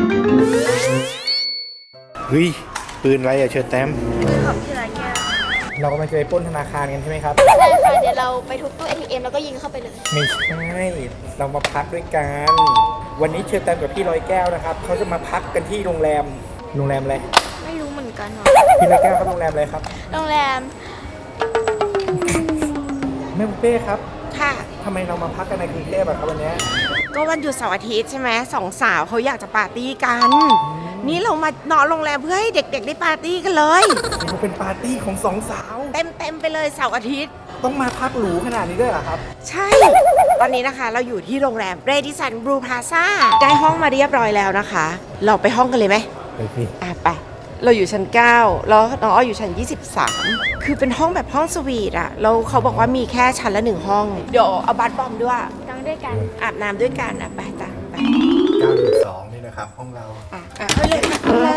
เฮ้ยปืนอะไรอะเชิญแต้มปืนของที่ร้านแก้วเรากำลังจะไปปล้นธนาคารกันใช่ไหมครับใช่ค่ะเดี๋ยวเราไปทุบตู้ ATM แล้วก็ยิงเข้าไปเลยไม่ใช่เรามาพักด้วยกันวันนี้เชิญแต้มกับพี่ร้อยแก้วนะครับเขาจะมาพักกันที่โรงแรมอะไรไม่รู้เหมือนกันหรอพี่ร้อยแก้วครับโรงแรมอะไรครับโรงแรมแม่บุฟเป้ครับค่ะทำไมเรามาพักกันในกรุงเทพอะครับวันนี้ก็วันหยุดเสาร์อาทิตย์ใช่ไหมสองสาวเขาอยากจะปาร์ตี้กัน นี่เรามานอนโรงแรมเพื่อให้เด็กๆได้ปาร์ตี้กันเลยมันเป็นปาร์ตี้ของสองสาวเต็มไปเลยเสาร์อาทิตย์ต้องมาพักหรูขนาดนี้ด้วยเหรอครับใช่ ตอนนี้นะคะเราอยู่ที่โรงแรมเรดิสันบลูพลาซ่าได้ห้องมาเรียบร้อยแล้วนะคะ เราไปห้องกันเลยไหมไปสิไปเราอยู่ชั้น 9 แล้วน้องอ้ออยู่ชั้น 23 คือเป็นห้องแบบห้องสวีทอะแล้วเขาบอกว่ามีแค่ชั้นละ1ห้อง เดี๋ยวเอาบัตรบอมด้วยนอนด้วยกันอาบน้ำด้วยกันไปจ้ะไป 9.2นี่นะครับห้องเราไปเลยไปเลย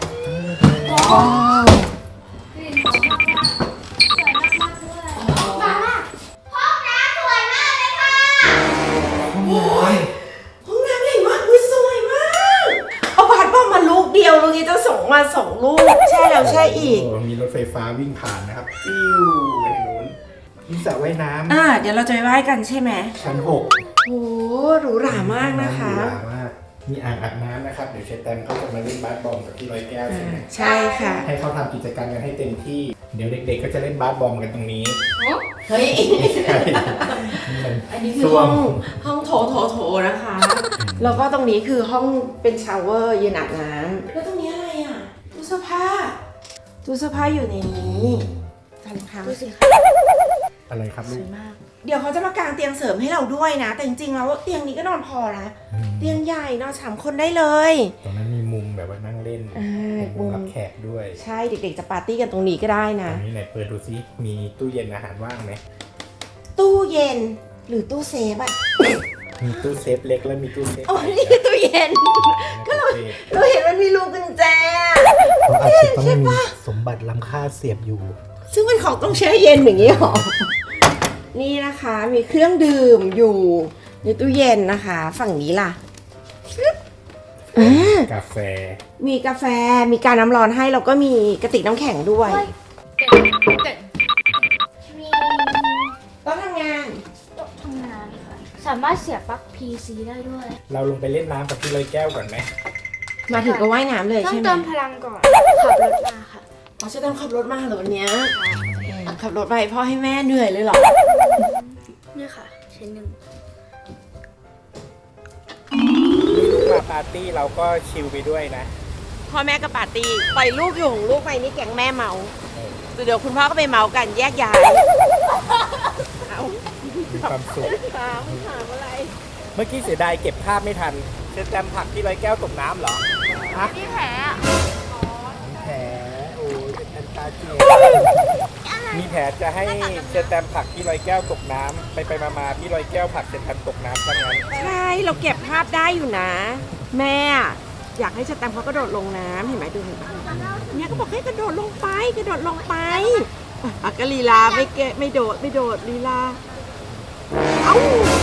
ห้องน้ำใหญ่มากสวยมากเอาบัตรบอมมาลูกเดียวลูกนี้จะส่งมา2 ลูกแช่แล้วแช่อีกมีรถไฟฟ้าวิ่งผ่านนะครับฟิวไปทางนู้นมีสระว่ายน้เดี๋ยวเราจะไปไหว้กันใช่ไหมำชั้นโอ้หรูหรามากนะคะหรูหรามากมีอ่างอาบน้ำนะครับเดี๋ยวเชฟแตมเขาจะมาเล่นบาสบอลกับพี่ร้อยแก้วใช่ไหมใช่ค่ะให้เขาทำกิจกรรมกันให้เต็มที่เดี๋ยวเด็กๆก็จะเล่นบาสบอลกันตรงนี้เฮ้ยใช่อันนี้คือห้องโถนะคะ แล้วก็ตรงนี้คือห้องเป็นชาวเวอร์ยืนอาบน้ำแล้วตรงนี้อะไรอ่ะตู้เสื้อผ้าอยู่ในนี้กันค่ะดูสิคะอะไรครับสลูวกยมาก เดี๋ยวเขาจะมากางเตียงเสริมให้เราด้วยนะ แต่จริงๆแล้วเตียงนี้ก็นอนพอนะ เตียงใหญ่นอน3 คนได้เลยตรงนั้นมีมุมแบบว่านั่งเล่น มุมรับแขกด้วยใช่เด็กๆจะปาร์ตี้กันตรงนี้ก็ได้ตนะรงนี้ไหนเปิดดูซิมีตู้เย็นอาหารว่างไหมตู้เย็นหรือตู้เซฟอ่ะมีตู้เซฟเล็กและมีตู้เซฟอ๋อนี่คือตู้เย็นก็เลยเราเห็นมันมีรูกุญแจเขาอาจจะต้องมีสมบัติล้ำค่าเสียบอยู่ซึ่งเป็นของต้องแช่เย็นอย่างนี้หรอ นี่นะคะมีเครื่องดื่มอยู่ในตู้เย็นนะคะ ฝั่งนี้ล่ะกาแฟมีกาแฟมีการน้ำร้อนให้แล้วก็มีกระติกน้ำแข็งด้วยเกิดมีต้องทำงานโต๊ะทำงานค่ะ สามารถเสียบปลั๊ก PC ได้ด้วยเราลงไปเล่นน้ำกับพี่ร้อยแก้วก่อนไหมมาถึงก็ว่ายน้ำเลยต้อใช่งไหมเติมพลังก่อน ขับรถมาค่ะอ๋อจะต้องขับรถมาเหรอวันเนี้ยขับรถไปพ่อให้แม่เหนื่อยเลยเหรอนี่ค่ะชิ้นหนึ่งลูกมาปาร์ตี้เราก็ชิลไปด้วยนะพ่อแม่ก็ปาร์ตี้ปล่อยลูกอยู่ของลูกไปนี่แก๊งแม่เมาเดี๋ยวคุณพ่อก็ไปเมากันแยกย้ายเอามีความสุขถามอะไรเมื่อกี้เสียดายเก็บภาพไม่ทันเชฟแตมผลักพี่ร้อยแก้วตกน้ำเหรอฮะนี่แผลอะมีแผลโอ้ยเป็นอันตาเจียมีแผลจะให้เชฟแตมผลักพี่ร้อยแก้วตกน้ำไปมาพี่ร้อยแก้วผลักเชฟแตมตกน้ำซะงั้นใช่เราเก็บภาพได้อยู่นะ แม่อยากให้สแตมป์เขากระโดดลงน้ำเห็นไหมดูเห็นไหมเนี่ยก็บอกให้กระโดดลงไปก็ลีลาไม่โดดลีลาเอ้า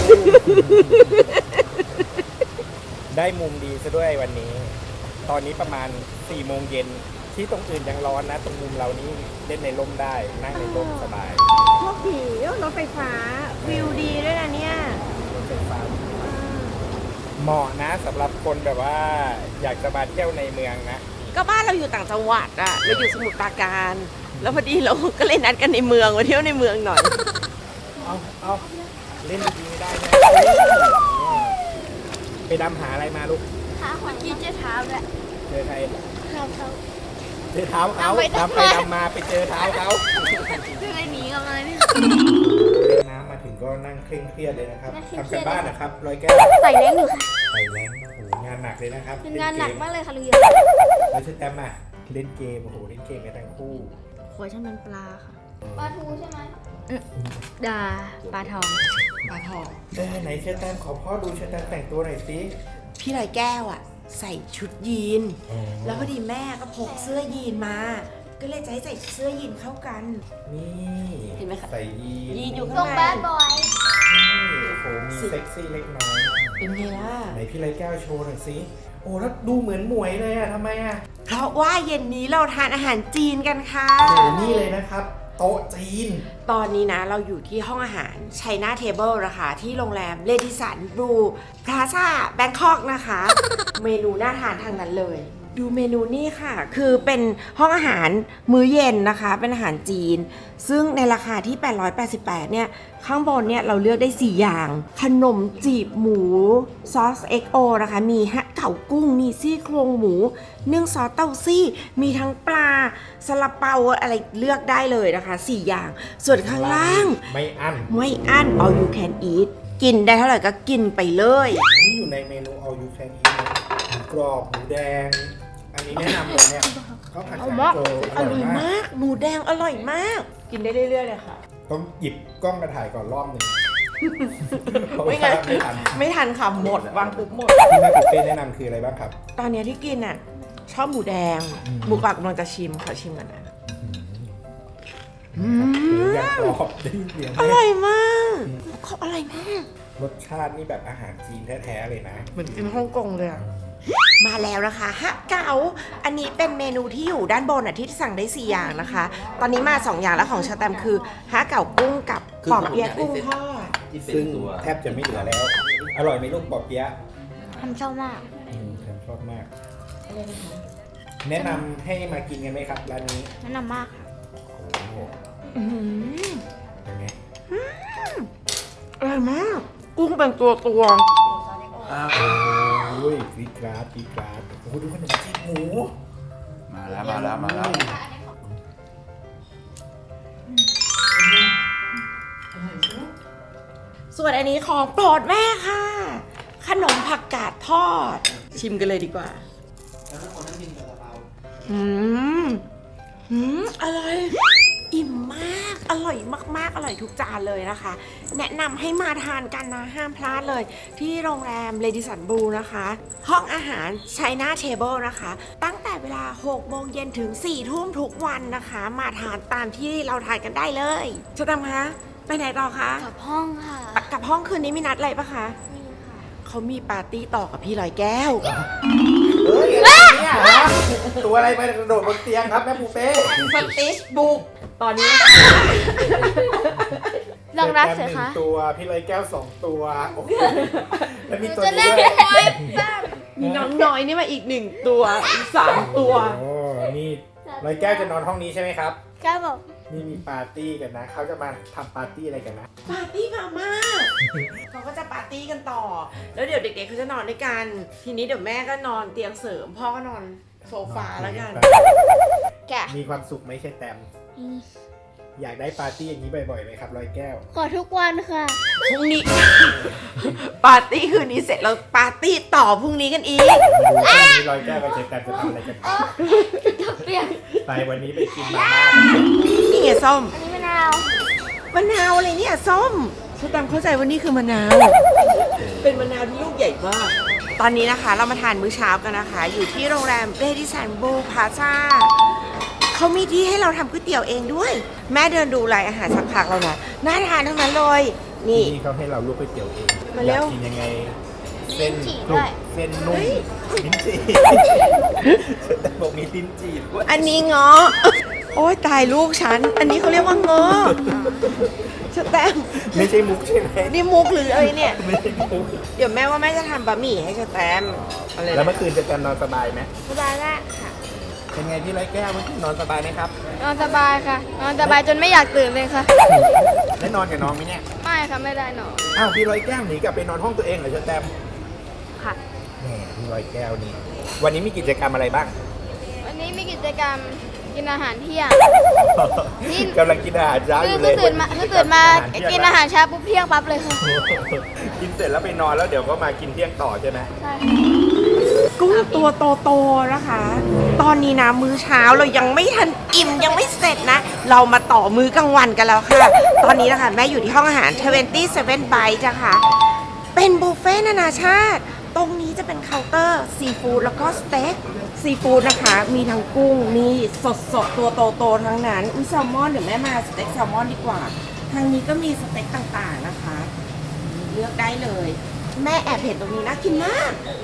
ได้มุมดีซะด้วยวันนี้ ตอนนี้ประมาณ4 โมงเย็นที่ตรงอื่นยังร้อนนะ ตรงมุมเรานี่เล่นในร่มได้นั่งในร่มสบายพวกผีรถไฟฟ้าวิวดีด้วยนะเนี่ยรถไฟฟ้าเหมาะนะสำหรับคนแบบว่าอยากจะมาเที่ยวในเมืองนะก็บ้านเราอยู่ต่างจังหวัดอะเราอยู่สมุทรปราการ แล้วพอดีเราก็เลยนัดกันในเมืองมาเที่ยวในเมืองหน่อยเอาเล่นดีๆไม่ได้นะไปดำหาอะไรมาลูกขาเมื่อกี้เจ๊เท้าด้วยเจอใครเท้าเขาเจอเท้าเขาเอาไปดำไปทำไมดำมาไปเจอเท้าเขาจะได้หนีกันเลยนี่เล่นน้ำมาถึงก็นั่งเคร่งเครียดเลยนะครับนั่งเคร่งทำเครีกัยนดบ้านนะครับร้อยแก้วใส่แรงอยู่ค่ะไปแรงโอ้โหงานหนักเลยนะครับเป็นงานหนักมากเลยค่ะลุงเยแล้วเชฟแตมอ่ะเล่นเกมโอ้โหเล่นเกมกันทั้งคู่หัวฉันเป็นปลาค่ะ ปลาทูใช่ไหมดาปลาทองปลาทองไหนเชฟแตมขอพ่อดูเชฟแตมแต่งตัวหน่อยสิพี่ลอยแก้วอะใส่ชุดยีน แล้วพอดีแม่ก็พกเสื้อยีนมา ก็เลยจะให้ใส่เสื้อยีนเข้ากันนี่เห็นไหมคะใส่ยีนยีนอยู่ทรข้างงในแบดบอยนี่โอ้โหมีเซ็กซี่เล็กน้อยเป็นไงล่ะไหนพี่ไรแก้วโชว์หน่อยสิโอ้แล้วดูเหมือนหมวยเลยอะทำไมอะเพราะว่าเย็นนี้เราทานอาหารจีนกันค่ะโอ้นี่เลยนะครับโต๊ะจีนตอนนี้นะเราอยู่ที่ห้องอาหาร China Table นะคะที่โรงแรมเลดิสันบลูพลาซ่าแบงคอกนะคะ เมนูน่าทานทางนั้นเลย ดูเมนูนี่ค่ะ คือเป็นห้องอาหารมื้อเย็นนะคะ เป็นอาหารจีน ซึ่งในราคาที่ 888 เนี่ย ข้างบนเนี่ยเราเลือกได้ 4 อย่าง ขนมจีบหมูซอส XO นะคะ มีฮะเก๋ากุ้ง มีซี่โครงหมูนึ่งซอสเต้าซี่ มีทั้งปลาซาลาเปาอะไรเลือกได้เลยนะคะ 4 อย่าง ส่วนข้างล่างไม่อั้นไม่อั้น all you can eat กินได้เท่าไหร่ก็กินไปเลยนี่อยู่ในเมนู all you can eat นะหมูกรอบหมูแดง อันนี้แนะนำเลยเนี่ยข้าวผัดเอาชามากโจอร่อยมาก หมูแดงอร่อยมาก กินได้เรื่อยๆเลยค่ะต้องหยิบกล้องมาถ่ายก่อนรอบหนึ่งไม่งั้นไม่ทันไม่ทันค่ะหมดวางปุ๊บหมดที่แม่ปุ๊เป้แนะนำคืออะไรบ้างครับตอนเนี้ยที่กินอ่ะ ชอบหมูแดงอืมหมูกรอบกำลังจะชิมขอชิมกันนะหมูอย่างกรอบได้ยินเสียงไหมอร่อยมากเขาอร่อยมากรสชาตินี่แบบอาหารจีนแท้ๆเลยนะเหมือนกินฮ่องกงเลยอะมาแล้วนะคะฮะเก๋าอันนี้เป็นเมนูที่อยู่ด้านบนอ่ะที่สั่งได้ 4 อย่างนะคะ ตอนนี้มา 2 อย่างแล้วของชาแตมคือฮะเก๋ากุ้งกับปอบเปี๊ยะกุ้งทอดซึ่งแทบจะไม่เหลือแล้ว อร่อยไหมลูกปอเปี๊ยะทำชอบมากผมชอบมาก แนะนำให้มากินกันไหมครับร้านนี้แนะนำมากค่ะโอ้โหอื้อหือเป็นไงอร่อยมาก กุ้งเป็นตัวโอ้ยกรีดกราดกรีดกราดโอ้โหดูขนมจีบหมูมาแล้วส่วนอันนี้ของโปรดแม่ค่ะ ขนมผักกาดทอด ชิมกันเลยดีกว่าอร่อย อิ่มมาก อร่อยมากๆ อร่อยทุกจานเลยนะคะ แนะนำให้มาทานกันนะ ห้ามพลาดเลย ที่โรงแรมเลดิสันบลูนะคะ ห้องอาหาร China Table นะคะ ตั้งแต่เวลา 6 โมงเย็นถึง 4 ทุ่มทุกวันนะคะ มาทานตามที่เราทานกันได้เลยจะทำคะ ไปไหนต่อคะกับห้องค่ะกลับห้องคืนนี้มีนัดอะไรปะคะนี่ค่ะเขามีปาร์ตี้ต่อกับพี่ลอยแก้วเฮ้ยอะไรเนี่ยฮะตัวอะไรไปกระโดดบนเตียงครับแม่ปูเป้สติชบุก ตอนนี้ลองนับแตสิมหนึ่คะงตัว พี่ลอยแก้ว2 ตัวโอ้โหแล้วมีตัวจะเล่นี้นด้วยไว้แป๊บมีน้องน้อยนี่มาอีก1 ตัว อีก 3 ตัวโอ้นี่ลอยแก้วจะนอนห้องนี้ใช่ไหมครับก้าวบอกนี่มีปาร์ตี้กันนะ เขาจะมาทำปาร์ตี้อะไรกันนะปาร์ตี้มาม่าเขาก็จะปาร์ตี้กันต่อ แล้วเดี๋ยวเด็กๆเขาจะนอนด้วยกัน ทีนี้เดี๋ยวแม่ก็นอนเตียงเสริม พ่อก็นอนโซฟาแล้วกันแกะมีความสุขไหมใช่แตม อยากได้ปาร์ตี้อย่างนี้บ่อยๆไหมครับลอยแก้วขอทุกวันค่ะพรุ่งนี้ ปาร์ตี้คืนนี้เสร็จแล้วปาร์ตี้ต่อพรุ่งนี้กันอีกมาดูกันวันนี้ลอยแก้วกับเชฟแตมจะทำอะไรกันบ้างเปลี่ยนไปวันนี้ไปกินมาม่านี่ไงส้มอันนี้มะนาวมะนาวอะไรเนี่ยส้มชแตมเข้าใจว่านี่คือมะนาว เป็นมะนาวที่ลูกใหญ่มาก ตอนนี้นะคะเรามาทานมื้อเช้ากันนะคะ อยู่ที่โรงแรมเรดิสันบลูพลาซ่าเขามีที่ให้เราทำก๋วยเตี๋ยวเองด้วย แม่เดินดูรายอาหารสักพักแล้วนะน่าทานทั้งนั้นเลย นี่นี่เขาให้เราลวกก๋วยเตี๋ยวเองมาอเร็ยาว กกินยังไง เส้นลิ้นจี่กรุด้บวยเส้นนุ่มลิ้นจี่แต่บอกมีลิ้นจี่ด้วยอันนี้เงาะโอ้ยตายลูกฉัน อันนี้เขาเรียกว่าเงาะชแตมไม่ใช่มุกใช่ไหมนี่มุกหรืออะไรเนี่ยไม่ใช่มุกเดี๋ยวแม่ว่าแม่จะทำบะหมี่ให้ชแตมเอาเลยแล้วเมื่อคืนจะกันนอนสบายไหมสบายมากค่ะเป็นไงพี่ร้อยแก้วเมื่อคืนนอนสบายไหมครับนอนสบายค่ะ นอนสบายจนไม่อยากตื่นเลยค่ะได้นอนกับน้องไหมเนี่ยไม่ค่ะไม่ได้นอนอ้าวพี่ร้อยแก้วหนีกลับไปนอนห้องตัวเองเหรอเชอแตมค่ะแหมพี่ร้อยแก้วนี่ วันนี้มีกิจกรรมอะไรบ้างวันนี้มีกิจกรรมกินอาหารเที่ยง นี่กำลังกินอาหารเช้าอยู่เลยเพิ่งตื่นมากินอาหารเช้าปุ๊บเที่ยงปั๊บเลยค่ะกินเสร็จแล้วไปนอนแล้วเดี๋ยวก็มากินเที่ยงต่อใช่ไหมใช่กุ้งตัวโตๆนะคะ ตอนนี้นะมื้อเช้าเรายังไม่ทันอิ่มยังไม่เสร็จนะ เรามาต่อมื้อกลางวันกันแล้วค่ะ ตอนนี้นะคะแม่อยู่ที่ห้องอาหาร27 Bites นะคะ เป็นบุฟเฟ่ต์นานาชาติ ตรงนี้จะเป็นเคาน์เตอร์ซีฟู้ดแล้วก็สเต็กซีฟู้ดนะคะ มีทั้งกุ้งมีสดๆ ตัวโตๆทั้งนั้นอุ้ยแซลมอนเดี๋ยวแม่มาสเต็กแซลมอนดีกว่า ทางนี้ก็มีสเต็กต่างๆนะคะ เลือกได้เลย แม่แอบเห็นตรงนี้น่ากินมาก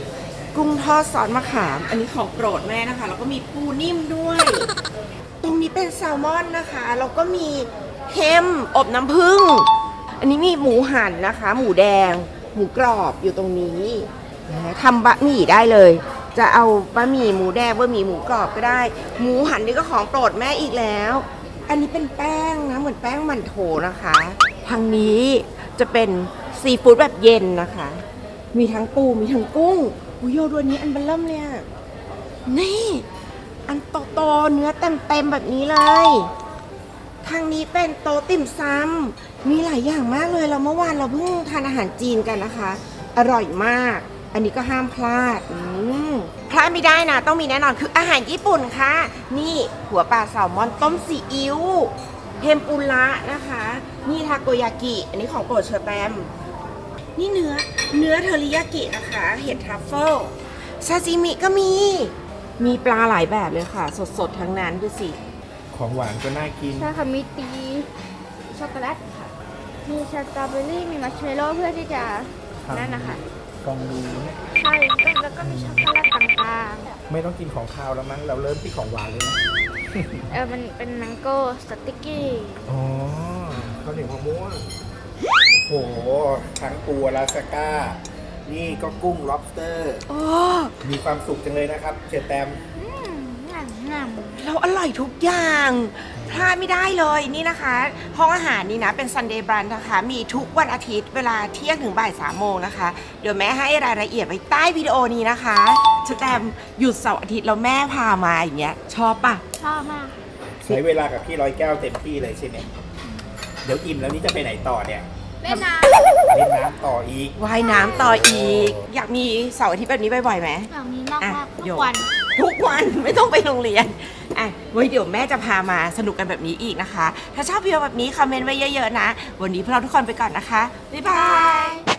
กุ้งทอดซอสมะขาม อันนี้ของโปรดแม่นะคะ แล้วก็มีปูนิ่มด้วย ตรงนี้เป็นแซลมอนนะคะ แล้วก็มีเฮมอบน้ำผึ้ง อันนี้มีหมูหั่นนะคะ หมูแดง หมูกรอบอยู่ตรงนี้นะทำบะหมี่ได้เลย จะเอาบะหมี่หมูแดงบะหมี่หมูกรอบก็ได้ หมูหั่นนี่ก็ของโปรดแม่อีกแล้ว อันนี้เป็นแป้งนะ เหมือนแป้งมันโถนะคะ ทางนี้จะเป็นซีฟู้ดแบบเย็นนะคะ มีทั้งปูมีทั้งกุ้งอุยโยดูอันนี้อันเบลเริ่มเลยอะนี่ อันโตๆเนื้อเต็มๆแบบนี้เลย ทางนี้เป็นโต๊ะติ่มซำมีหลายอย่างมากเลยเราเมื่อวานเราเพิ่งทานอาหารจีนกันนะคะ อร่อยมาก อันนี้ก็ห้ามพลาดพลาดไม่ได้นะ ต้องมีแน่นอนคืออาหารญี่ปุ่นค่ะ นี่หัวปลาแซลมอนต้มซีอิ๊วเทมปุระนะคะ นี่ทาโกยากิ อันนี้ของโปรดเชอร์แตมนี่เนื้อเทอริยากินะคะ เห็ดทรัฟเฟิลซาซิมิก็มีปลาหลายแบบเลยค่ะ สดๆทั้งนั้นดูสิของหวานก็น่ากินใช่ค่ะมีตีช็อกโกแลตค่ะ มีสตรอเบอรี่มีมัชเมลโล่เพื่อที่จะนั่นนะคะฟองดูเนี่ยใช่แล้วก็มีช็อกโกแลตต่างไม่ต้องกินของคาวแล้วมั้งเราเริ่มที่ของหวานเลยนะๆมันเป็นแมงโก้สติ๊กกี้อ๋อข้าวเหนียวมะม่วงโอ้โหทั้งปูอลาสก้า นี่ก็กุ้ง lobster โอ้มีความสุขจังเลยนะครับเชอแตมงามเราอร่อยทุกอย่างพลาดไม่ได้เลยนี่นะคะ ห้องอาหารนี่นะเป็น Sunday Brunch นะคะ มีทุกวันอาทิตย์เวลาเที่ยงถึงบ่าย3 โมงนะคะ เดี๋ยวแม่ให้รายละเอียดไว้ใต้วิดีโอนี้นะคะชแตมหยุดเสาร์อาทิตย์แล้วแม่พามาอย่างเงี้ยชอบปะชอบมากใช้เวลากับพี่ร้อยแก้วเต็มที่เลยใช่ไหมเดี๋ยวอิ่มแล้วนี่จะไปไหนต่อเนี่ยเล่นน้เล่นน้ำต่ออีกว่ายน้ำต่ออีก อยากมีเสาร์อาทิตย์แบบนี้บ่อยๆไหมำแบบนี้มากอ่ะๆทุโยกกวันทุกวัน ไม่ต้องไปโรงเรียนอ่ะไว้เดี๋ยวแม่จะพามาสนุกกันแบบนี้อีกนะคะ ถ้าชอบวิดีโอแบบนี้คอมเมนต์ไว้เยอะๆนะ วันนี้พวกเราทุกคนไปก่อนนะคะบ๊ายบาย